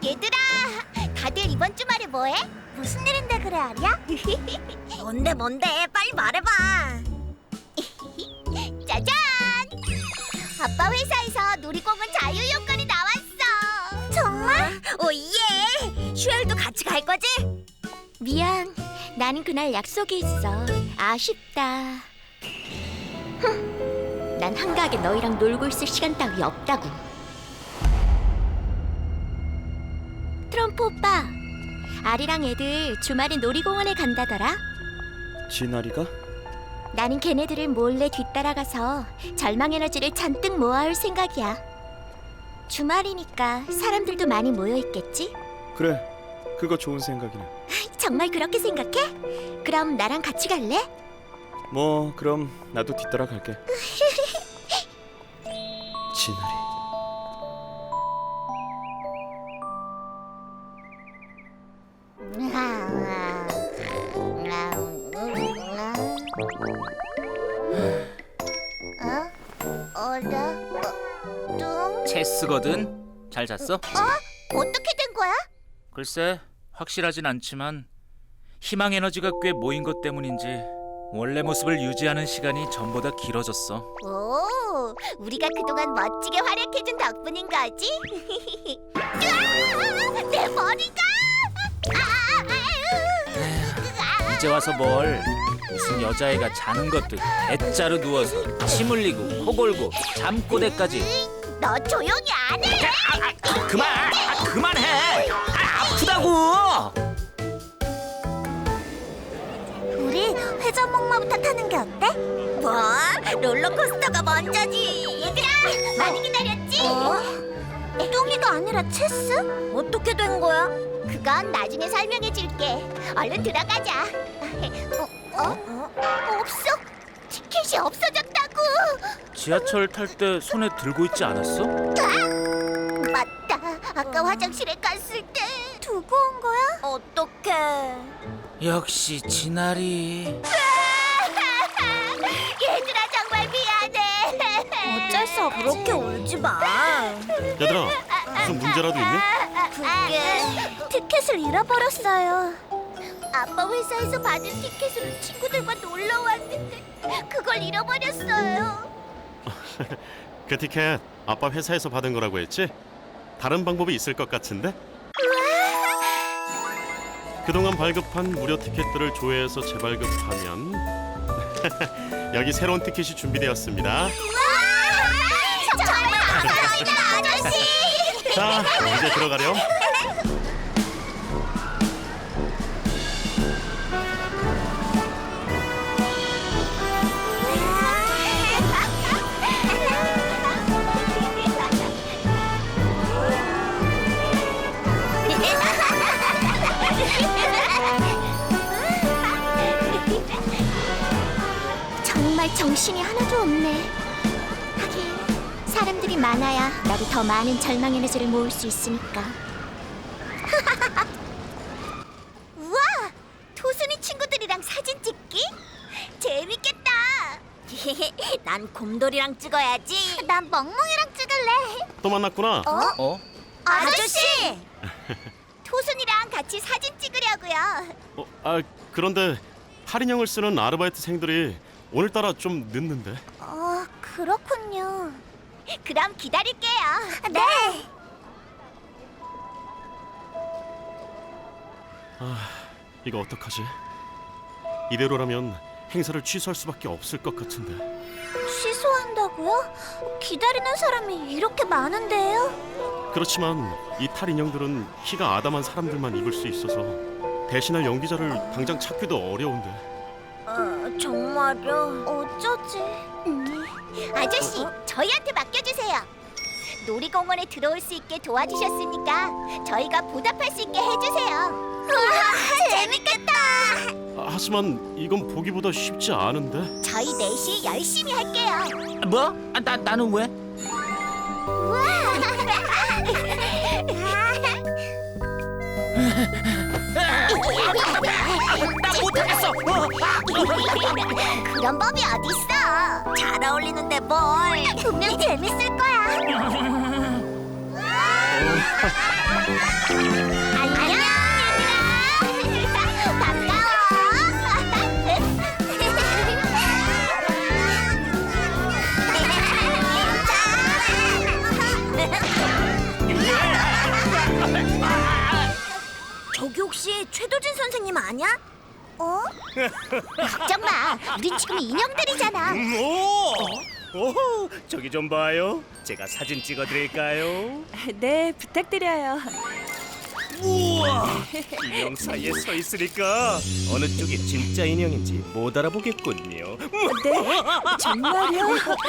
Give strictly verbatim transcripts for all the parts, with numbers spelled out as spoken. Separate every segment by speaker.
Speaker 1: 얘들아, 다들 이번 주말에 뭐해? 무슨 일인데 그래, 아리야?
Speaker 2: 뭔데 뭔데 빨리 말해봐.
Speaker 1: 짜잔! 아빠 회사에서 놀이공원 자유이용권이 나왔어.
Speaker 2: 정말? 오예. 슈엘도 같이 갈 거지?
Speaker 1: 미안, 나는 그날 약속이 있어. 아쉽다. 흠, 난 한가하게 너희랑 놀고 있을 시간 따위 없다고. 트럼프 오빠, 아리랑 애들 주말에 놀이공원에 간다더라.
Speaker 3: 진아리가?
Speaker 1: 나는 걔네들을 몰래 뒤따라가서 절망 에너지를 잔뜩 모아올 생각이야. 주말이니까 사람들도 많이 모여 있겠지?
Speaker 3: 그래, 그거 좋은 생각이네.
Speaker 1: 정말 그렇게 생각해? 그럼 나랑 같이 갈래?
Speaker 3: 뭐 그럼 나도 뒤따라 갈게. 진아리.
Speaker 1: 어? 어라? 어? 뚱?
Speaker 4: 체스거든. 잘 잤어?
Speaker 1: 어떻게 된 거야?
Speaker 4: 글쎄, 확실하진 않지만 희망 에너지가 꽤 모인 것 때문인지 원래 모습을 유지하는 시간이 전보다 길어졌어.
Speaker 1: 오, 우리가 그동안 멋지게 활약해준 덕분인 거지? 으아! 내 머리가! 아, 아유.
Speaker 4: 이제 와서 뭘? 무슨 여자애가 자는 것도 대자로 누워서 침 흘리고 코 골고 잠꼬대까지.
Speaker 1: 너 조용히 안 해!
Speaker 4: 아, 아, 그만! 아, 그만해! 아, 아프다고!
Speaker 1: 우리 회전목마부터 타는 게 어때?
Speaker 2: 뭐? 롤러코스터가 먼저지.
Speaker 1: 얘들아, 많이 기다렸지?
Speaker 2: 어?
Speaker 1: 뚱이가 아니라 체스?
Speaker 2: 어떻게 된 거야?
Speaker 1: 그건 나중에 설명해 줄게. 얼른 들어가자. 어? 어? 없어. 티켓이 없어졌다고.
Speaker 4: 지하철 탈 때 손에 들고 있지 않았어?
Speaker 1: 맞다. 아까 화장실에 갔을 때 두고 온 거야?
Speaker 2: 어떡해.
Speaker 4: 역시 진아리.
Speaker 1: 얘들아, 정말 미안해.
Speaker 2: 어쩔 수 없지. 그렇게 울지 마.
Speaker 5: 얘들아, 무슨 문제라도 있니?
Speaker 1: 그게 티켓을 잃어버렸어요. 아빠 회사에서 받은 티켓으로 친구들과 놀러 왔는데 그걸 잃어버렸어요.
Speaker 5: 그 티켓 아빠 회사에서 받은 거라고 했지? 다른 방법이 있을 것 같은데? 그동안 발급한 무료 티켓들을 조회해서 재발급하면 여기 새로운 티켓이 준비되었습니다.
Speaker 1: 정말 감사합니다, 아저씨.
Speaker 5: 자, 이제 들어가렴.
Speaker 1: 정말 정신이 하나도 없네. 하긴 사람들이 많아야 나도 더 많은 절망 에너지를 모을 수 있으니까. 우와! 토순이 친구들이랑 사진 찍기? 재밌겠다.
Speaker 2: 난 곰돌이랑 찍어야지.
Speaker 1: 난 멍멍이랑 찍을래.
Speaker 5: 또 만났구나.
Speaker 4: 어?
Speaker 2: 아저씨!
Speaker 1: 토순이랑 같이 사진 찍으려고요.
Speaker 5: 어, 아, 그런데 할인형을 쓰는 아르바이트생들이 오늘따라 좀 늦는데.
Speaker 1: 어, 그렇군요. 그럼 기다릴게요. 네.
Speaker 5: 아, 이거 어떡하지? 이대로라면 행사를 취소할 수밖에 없을 것 같은데.
Speaker 1: 취소한다고요? 기다리는 사람이 이렇게 많은데요?
Speaker 5: 그렇지만 이 탈인형들은 키가 아담한 사람들만 입을 수 있어서 대신할 연기자를 당장 찾기도 어려운데.
Speaker 2: 어, 정말요?
Speaker 1: 어쩌지? 음. 아저씨, 저희한테 맡겨주세요. 놀이공원에 들어올 수 있게 도와주셨으니까 저희가 보답할 수 있게 해주세요. 우와, 재밌겠다.
Speaker 5: 아, 하지만 이건 보기보다 쉽지 않은데.
Speaker 1: 저희 넷이 열심히 할게요.
Speaker 4: 뭐? 아, 나, 나는 왜? 나 못하겠어!
Speaker 1: 그런 법이 어딨어?
Speaker 2: 잘 어울리는데 뭘.
Speaker 1: 분명 재밌을 거야. 안녕 얘들아.
Speaker 2: 저기 혹시 최도진 선생님 아냐?
Speaker 1: 어? 걱정 마. 우린 지금 인형들이잖아.
Speaker 6: 오! 오, 저기 좀 봐요. 제가 사진 찍어드릴까요?
Speaker 7: 네, 부탁드려요.
Speaker 6: 우와! 인형 사이에 서 있으니까 어느 쪽이 진짜 인형인지 못 알아보겠군요.
Speaker 7: 네, 정말요?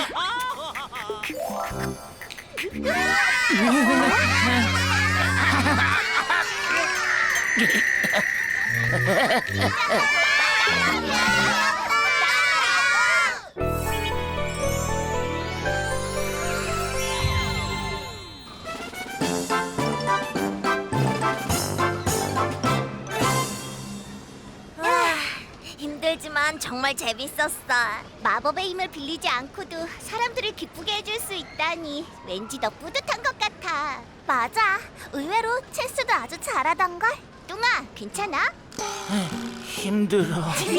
Speaker 2: 힘들지만 정말 재밌었어.
Speaker 1: 마법의 힘을 빌리지 않고도 사람들을 기쁘게 해줄 수 있다니 왠지 더 뿌듯한 것 같아.
Speaker 2: 맞아. 의외로 체스도 아주 잘하던걸.
Speaker 1: 뚱아, 괜찮아?
Speaker 4: 힘들어.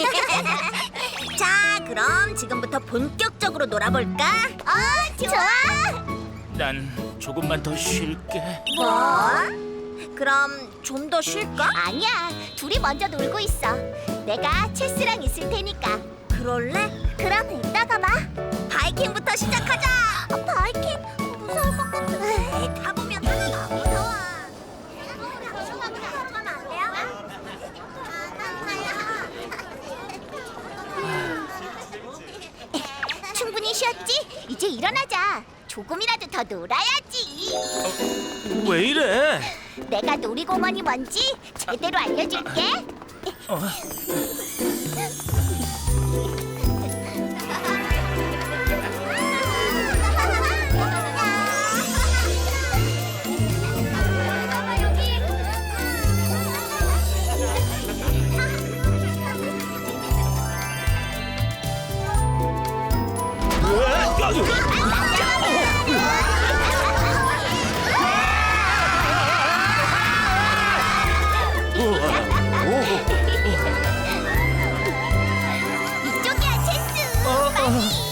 Speaker 2: 자, 그럼 지금부터 본격적으로 놀아볼까?
Speaker 1: 어, 좋아.
Speaker 4: 난 조금만 더 쉴게.
Speaker 2: 뭐? 그럼 좀 더 쉴까?
Speaker 1: 아니야, 둘이 먼저 놀고 있어. 내가 체스랑 있을 테니까.
Speaker 2: 그럴래? 그럼 이따가 봐. 바이킹부터 시작하자. 어, 바이킹 무서울 것 같아. 에이, 타보면 다 무서워. 타보면 안 돼요?
Speaker 1: 충분히 쉬었지? 이제 일어나자. 조금이라도 더 놀아야지.
Speaker 4: 왜 이래?
Speaker 1: 내가 놀이공원이 뭔지 제대로 알려줄게. 이쪽이야, 체스. 빨리.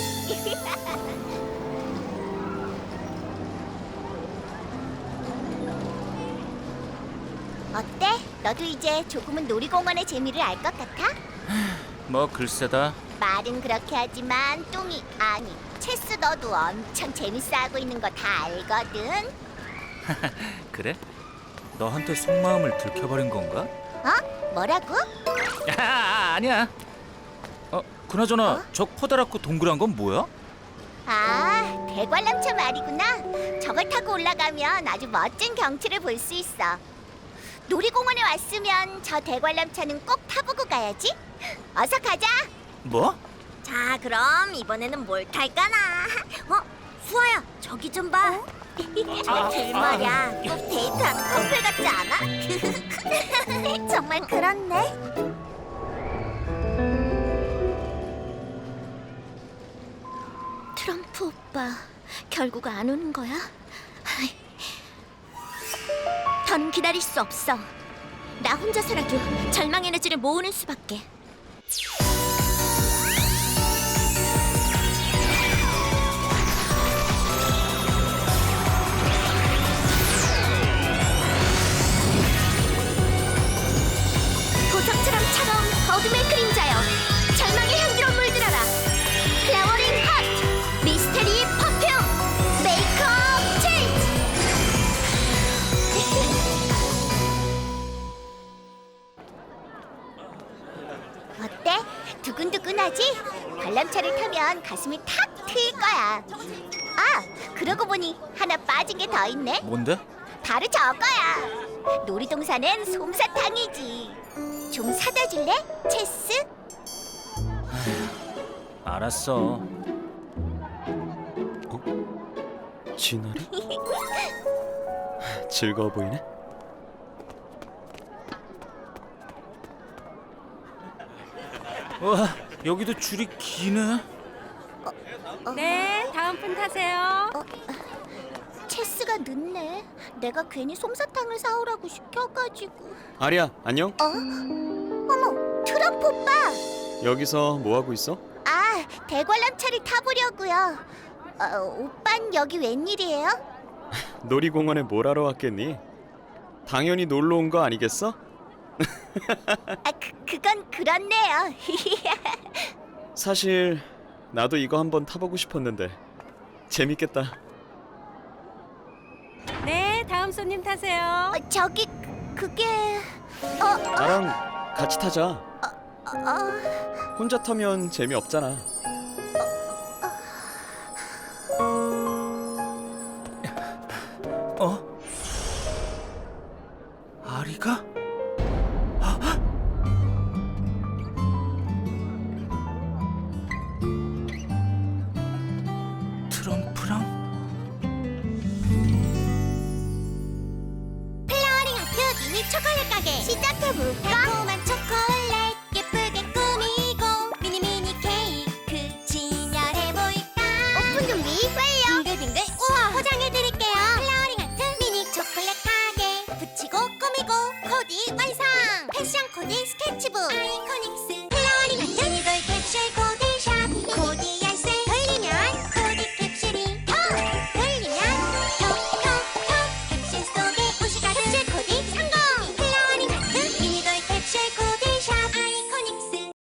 Speaker 1: 어때? 너도 이제 조금은 놀이공원의 재미를 알 것 같아?
Speaker 4: 뭐 글쎄다.
Speaker 1: 말은 그렇게 하지만 뚱이 아니 체스 너도 엄청 재밌어하고 있는 거 다 알거든.
Speaker 4: 그래? 너한테 속마음을 들켜버린 건가?
Speaker 1: 어? 뭐라고?
Speaker 4: 아, 아니야. 어, 그나저나 저 커다랗고 동그란 건 뭐야?
Speaker 1: 아, 대관람차 말이구나. 저걸 타고 올라가면 아주 멋진 경치를 볼 수 있어. 놀이공원에 왔으면 저 대관람차는 꼭 타보고 가야지. 어서 가자.
Speaker 4: 뭐?
Speaker 2: 자, 그럼 이번에는 뭘 탈까나? 어? 수아야, 저기 좀 봐. 저둘 말이야, 꼭 데이트하는 커플 같지 않아?
Speaker 1: 정말 그렇네. 트럼프 오빠 결국 안 오는 거야? 아이, 더는 기다릴 수 없어. 나 혼자서라도 절망 에너지를 모으는 수밖에. 보석처럼 차가운 어둠의 그림자여, 절망의 향기로 물들어라. 플라워링 핫 미스테리 퍼퓸 메이크업 체인지. 어때? 두근두근하지? 관람차를 타면 가슴이 탁 트일 거야. 아, 그러고 보니 하나 빠진 게 더 있네.
Speaker 4: 뭔데?
Speaker 1: 바로 저거야. 놀이동산은 솜사탕이지. 좀 사다 줄래? 체스?
Speaker 4: 알았어.
Speaker 3: 진아리? 즐거워 보이네.
Speaker 4: 와, 여기도 줄이 기네.
Speaker 7: 네, 다음 분 타세요.
Speaker 1: 체스가 아리가 늦네. 내가 괜히 솜사탕을 사오라고 시켜가지고.
Speaker 3: 아리야, 안녕?
Speaker 1: 어? 어머, 트럼프 오빠!
Speaker 3: 여기서 뭐 하고 있어?
Speaker 1: 아, 대관람차를 타보려고요. 어, 오빤 여기 웬일이에요?
Speaker 3: 놀이공원에 뭘 하러 왔겠니? 당연히 놀러 온 거 아니겠어?
Speaker 1: 아, 그, 그건 그렇네요.
Speaker 3: 사실 나도 이거 한번 타보고 싶었는데 재밌겠다.
Speaker 7: 네, 다음 손님 타세요.
Speaker 1: 어, 저기 그게 어,
Speaker 3: 나랑 같이 타자.
Speaker 1: 어,
Speaker 3: 혼자 타면 재미없잖아.
Speaker 4: 어? 아리가? 트럼프랑?
Speaker 1: 플라워링 하트 미니 초콜릿 가게 시작해볼까? 달콤한 초콜릿 예쁘게 꾸미고 미니 미니 케이크 진열해볼까? 오픈 준비 완료! 빙글빙글 우와 포장해드릴게요. 플라워링 하트 미니 초콜릿 가게 붙이고 꾸미고 코디 완성! 패션 코디 스케치북 아이코닉